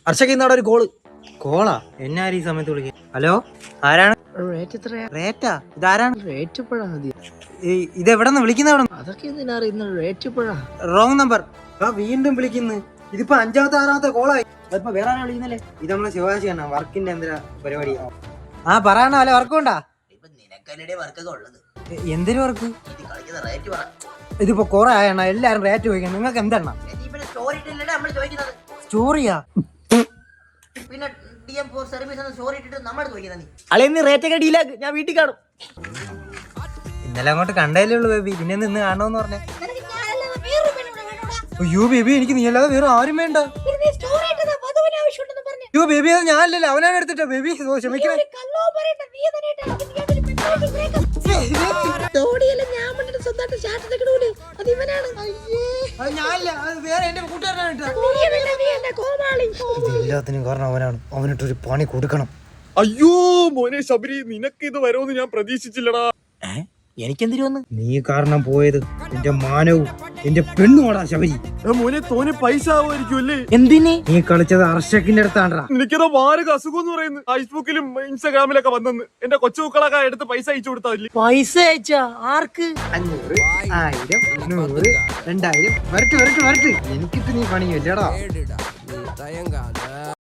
ഹർഷക്ക് ഇന്നവിടെ ഒരു കോളാ എന്നാരും ഈ സമയത്ത് വിളിക്കുക. ഹലോ, ആരാണ്? റേറ്റാ? ഇതാരാണ്? ഇതെവിടെ നിന്ന് വിളിക്കുന്ന? എവിടെ? അതൊക്കെ എന്തിനാ അറിയുന്നത്? Wrong number. വീണ്ടും വിളിക്കുന്നു. ഇതിപ്പോ 5ാമത്തെ 6ാമത്തെ കോളായി. അതിപ്പോ വേറെ ആരാ വിളിക്കുന്നല്ലേ? ഇത് നമ്മളെ ശിവാജിയാണ്. വർക്കിന്റെ എന്തിനാ പരിപാടി? പറയണ അല്ലെ? വർക്കുണ്ടാ? എന്തിനു വർക്ക്? ഇതിപ്പോ കൊറേ ആയണ്ണ എല്ലാരും റേറ്റ് ചോദിക്കണം. നിങ്ങൾക്ക് എന്തെണ്ണ സ്റ്റോറിയാ? ഞാൻ വീട്ടിൽ കാണും. ഇന്നലെ അങ്ങോട്ട് കണ്ടല്ലേ ഉള്ളു ബേബി. പിന്നെ നിന്ന് കാണണമെന്ന് പറഞ്ഞേ. അയ്യോ ബേബി, എനിക്ക് നീ അല്ലാതെ വേറെ ആരും വേണ്ട. അയ്യോ ബേബി, അത് ഞാനല്ലല്ലോ, അവനാണ് എടുത്തിട്ടോ. ബേബി ക്ഷമിക്കണേ. എല്ലാത്തിനും കാരണം അവനാണ്. അവനിട്ടൊരു പണി കൊടുക്കണം. അയ്യോ മോനെ ശബരി, നിനക്ക് ഇത് വരുമെന്ന് ഞാൻ പ്രതീക്ഷിച്ചില്ലടാ. എനിക്കെന്തിനു വന്ന്? നീ കാരണം പോയത് എന്റെ മാനവും എന്റെ പെണ്ണുമാടാ ശബരി. മോനെ തോനെ പൈസ ആവുമായിരിക്കും അല്ലേ? എന്തിന്? നീ കളിച്ചത് ഹർഷക്കിന്റെ അടുത്താണ്ടാ. എനിക്കതാ മാരക അസുഖം എന്ന് പറയുന്നത് ഫേസ്ബുക്കിലും ഇൻസ്റ്റാഗ്രാമിലൊക്കെ വന്നെന്ന്. എന്റെ കൊച്ചുമക്കളൊക്കെ എടുത്ത് പൈസ അയച്ചു കൊടുത്താൽ. പൈസ അയച്ചാ ആർക്ക്? 500, 1000, 100, 2000. വരട്ട്. എനിക്കിട്ട് നീ പണിയല്ലേടാ.